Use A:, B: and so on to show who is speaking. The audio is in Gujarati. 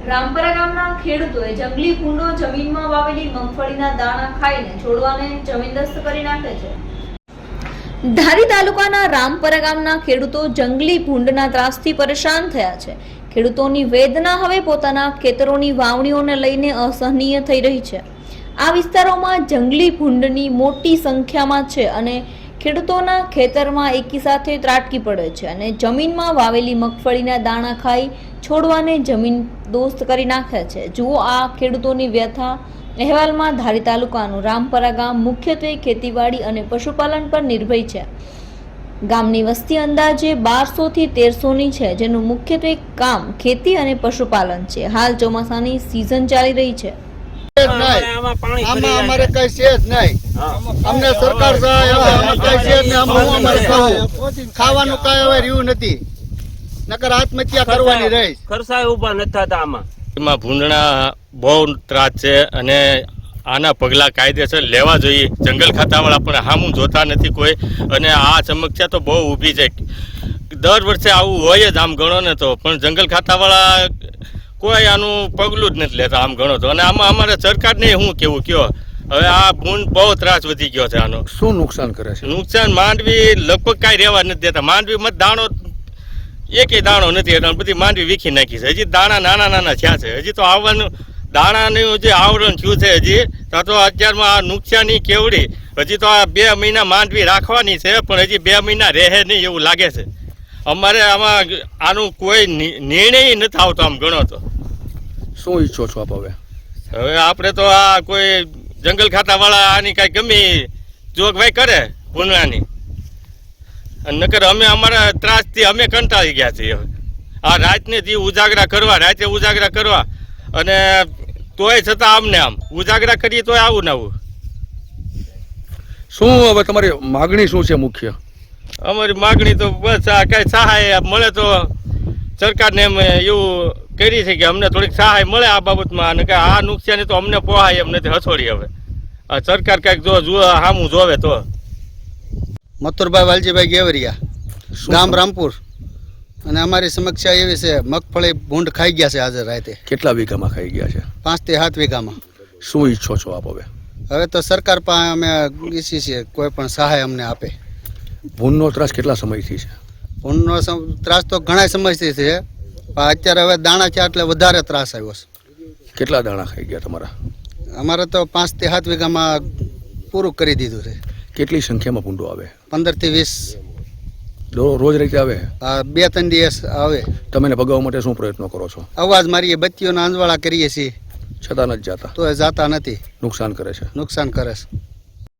A: રામપરા ગામના ખેડૂતોએ જંગલી ભૂંડો જમીનમાં વાવેલી મગફળીના દાણા ખાઈને છોડવાને જમીનદસ્ત કરી નાખે છે। ધારી તાલુકાના રામપરા ગામના ખેડૂતો જંગલી ભૂંડના ત્રાસથી પરેશાન થયા છે। ખેડૂતોની વેદના હવે પોતાના ખેતરોની વાવણીઓને લઈને અસહનીય થઈ રહી છે। આ વિસ્તારોમાં જંગલી ભૂંડની મોટી સંખ્યામાં છે અને ખેડૂતોના ખેતરમાં એકી સાથે ત્રાટકી પડે છે અને જમીનમાં વાવેલી મગફળીના દાણા ખાઈ છોડવાને જમીન દોસ્ત કરી નાખે છે। જુઓ આ ખેડૂતોની વ્યથા અહેવાલમાં। ધારી તાલુકાનું રામપરા ગામ મુખ્યત્વે ખેતીવાડી અને પશુપાલન પર નિર્ભર છે। ગામની વસ્તી અંદાજે 1200 થી 1300ની છે, જેનું મુખ્યત્વે કામ ખેતી અને પશુપાલન છે। હાલ ચોમાસાની સિઝન ચાલી રહી છે।
B: અમારે કઈ છે જ નહીં, અમને સરકાર ખાવાનું કઈ હવે રહ્યું નથી, નકર આત્મહત્યા કરવાની રહી।
C: ખર્ચાય ઉભા નથી થતા। આમાં
D: ભૂંડણા બહુ ત્રાસ છે અને આના પગલા કાયદેસર લેવા જોઈએ। જંગલ ખાતાવાળા પણ સામું જોતા નથી કોઈ, અને આ સમસ્યા તો બહુ ઊભી છે। દર વર્ષે આવું હોય જ આમ ગણો ને તો, પણ જંગલ ખાતાવાળા કોઈ આનું પગલું જ નથી લેતા આમ ગણો તો। અને આમાં અમારે સરકારને શું કેવું કયો, હવે આ ભૂંડ બહુ ત્રાસ વધી ગયો છે આનો।
E: શું નુકસાન કરે છે?
D: નુકસાન માંડવી લગભગ કાંઈ રહેવા નથી દેતા। માંડવીમાં દાણો એકેય દાણો નથી, એટલે બધી માંડવી વીખી નાખી છે। હજી દાણા નાના નાના થયા છે, હજી તો આવવાનું દાણાનું જે આવરણ થયું છે હજી તો અત્યારમાં આ નુકસાની કેવડી। હજી તો આ 2 મહિના માંડવી રાખવાની છે, પણ હજી 2 મહિના રહે નહીં એવું લાગે છે। અમારે આમાં આનું કોઈ નિર્ણય નથી આવતો આમ ગણો તો।
E: શું ઈચ્છો છો આપ હવે?
D: હવે આપણે તો આ કોઈ જંગલ ખાતાવાળા આની કાંઈ ગમી જોગવાઈ કરે ભૂંડણાની, નકર અમે અમારા ત્રાસથી અમે કંટાળી ગયા છીએ। આ રાતને જે ઉજાગરા કરવા, રાતે ઉજાગરા કરવા, અને તોય છતાં અમને આમ ઉજાગરા કરીએ તોય આવું ને આવું।
E: શું હવે તમારી માગણી શું છે મુખ્ય?
D: અમારી માગણી તો બસ આ કાંઈ સહાય મળે તો સરકારને એમ એવું કરી છે કે અમને થોડીક સહાય મળે આ બાબતમાં, અને કે આ નુકસાની તો અમને પોહાય એમ નથી હસોડી। હવે આ સરકાર કાંઈક જો સામું જોવે તો।
B: મથુરભાઈ વાલજીભાઈ ગેવરિયા, ગામ રામપુર। અને અમારી સમસ્યા એવી છે, મગફળી ભૂંડ ખાઈ ગયા છે આજે રાતે।
E: કેટલા વીઘામાં ખાઈ ગયા છે?
B: 5 થી 7 વીઘામાં।
E: શું ઈચ્છો છો આપ હવે?
B: હવે તો સરકાર પાસે અમે ઈચ્છીએ છીએ કોઈ પણ સહાય અમને આપે।
E: ભૂંડનો ત્રાસ કેટલા સમયથી છે?
B: ભૂંડનો ત્રાસ તો ઘણા સમયથી છે, પણ અત્યારે હવે દાણા છે એટલે વધારે ત્રાસ આવ્યો છે।
E: કેટલા દાણા ખાઈ ગયા તમારા?
B: અમારે તો 5 થી 7 વીઘામાં પૂરું કરી દીધું છે।
E: કેટલી સંખ્યામાં ભૂંડો આવે?
B: 15 થી 20
E: રોજ રીતે આવે?
B: 2-3 દિવસ આવે।
E: તમે એને ભગાવવા માટે શું પ્રયત્નો કરો છો?
B: અવાજ મારીએ, બત્તીઓના અંજવાળા કરીએ છીએ,
E: છતાં નથી જાતા?
B: તો એ જાતા નથી,
E: નુકસાન કરે છે?
B: નુકસાન કરે છે।